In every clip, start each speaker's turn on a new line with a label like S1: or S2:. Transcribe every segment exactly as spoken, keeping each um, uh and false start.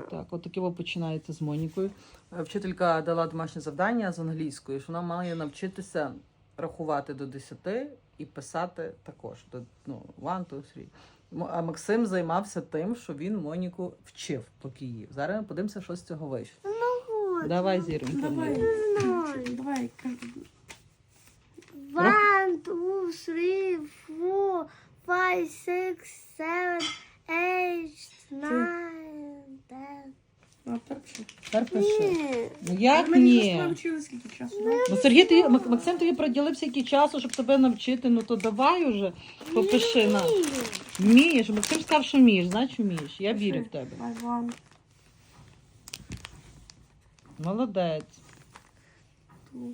S1: Так, от таке ви починаєте з Монікою. Е, Вчителька дала домашнє завдання з англійської, що вона має навчитися рахувати до десяти і писати також. До, ну, one, two, three. М- А Максим займався тим, що він Моніку вчив, поки їв. Зараз ми подивимося, що з цього вийшло.
S2: Ну,
S1: Давай, Зіронька.
S3: Давай.
S2: Ноль.
S3: Давай.
S2: One, two, three, four, five, six, seven, eight, nine, ten.
S3: А, так що?
S1: Тепер пиши.
S2: Ні.
S1: Ну як
S3: Ми
S1: ні?
S3: не навчили скільки часу, да?
S1: Ну, Сергій, тобі, Мак- Максим тобі приділив стільки часу, щоб тебе навчити, ну то давай уже, попиши на.
S2: Ні.
S1: Вмієш, Максим сказав, що вмієш, значить вмієш. Я вірю в тебе.
S3: Давай, one,
S1: Молодець.
S3: two,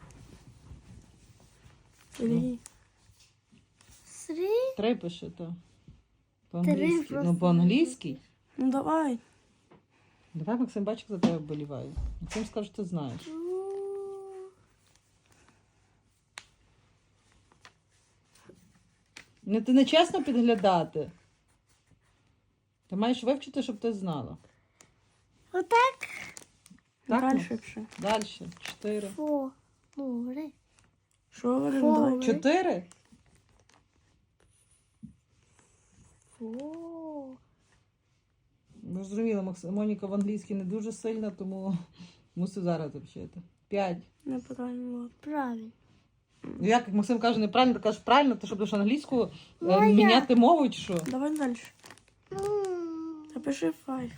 S3: three.
S2: Three.
S1: Три пиши, то.
S2: Три
S1: По-англійськи.
S2: просто.
S1: Ну, по-англійськи.
S3: Ну давай.
S1: Давай, Максим, бачиш, за тебе вболіваю. Максим сказав, що ти знаєш.
S2: Two.
S1: Ну, ти не чесно підглядати. Ти маєш вивчити, щоб ти знала.
S2: Отак.
S1: Так,
S3: Далі
S1: Макс?
S3: пиши.
S1: Далі. Чотири.
S2: Four. Four.
S3: Що говоримо?
S2: Фу.
S3: Давай.
S1: Чотири?
S2: Four.
S1: Ну, зрозуміло, Макс- Моніка в англійській не дуже сильна, тому мусив зараз вчити. П'ять.
S3: Неправильно.
S2: Правильно.
S1: Ну, як Максим каже неправильно, ти кажеш правильно, ти що будеш англійську е,
S2: Ну, а
S1: міняти мову чи що?
S3: Давай далі.
S2: М.
S3: Напиши five.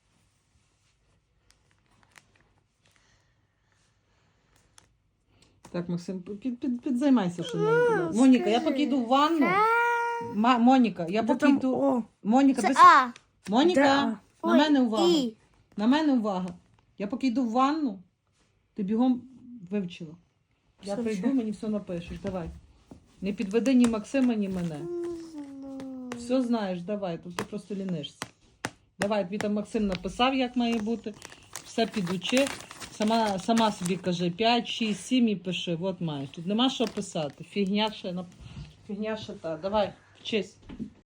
S1: Так, Максим, під, під, підзаймайся, що
S2: Ну,
S1: не Моніка, я
S2: скажи.
S1: поки йду в ванну.
S2: Це-
S1: Ма, Моніка, я
S3: Де
S1: поки
S3: там
S1: йду.
S3: О?
S1: Моніка,
S2: Це
S1: ти...
S2: А.
S3: Де
S1: Моніка,
S3: А?
S1: на
S2: Ой,
S1: мене увага.
S2: І.
S1: На мене увага. Я поки йду в ванну, ти бігом вивчила. Я
S3: Все
S1: прийду,
S3: вчу.
S1: мені все напишеш. Давай. Не підведи ні Максима, ні мене. Все знаєш, давай, тут ти просто лінишся. Давай, тобі там Максим написав, як має бути. Все підучи. Сама, сама собі кажи п'ять, шість, сім і пиши. От маєш. Тут нема що писати. Фігня ще, на- фігня ще та. Давай, вчись.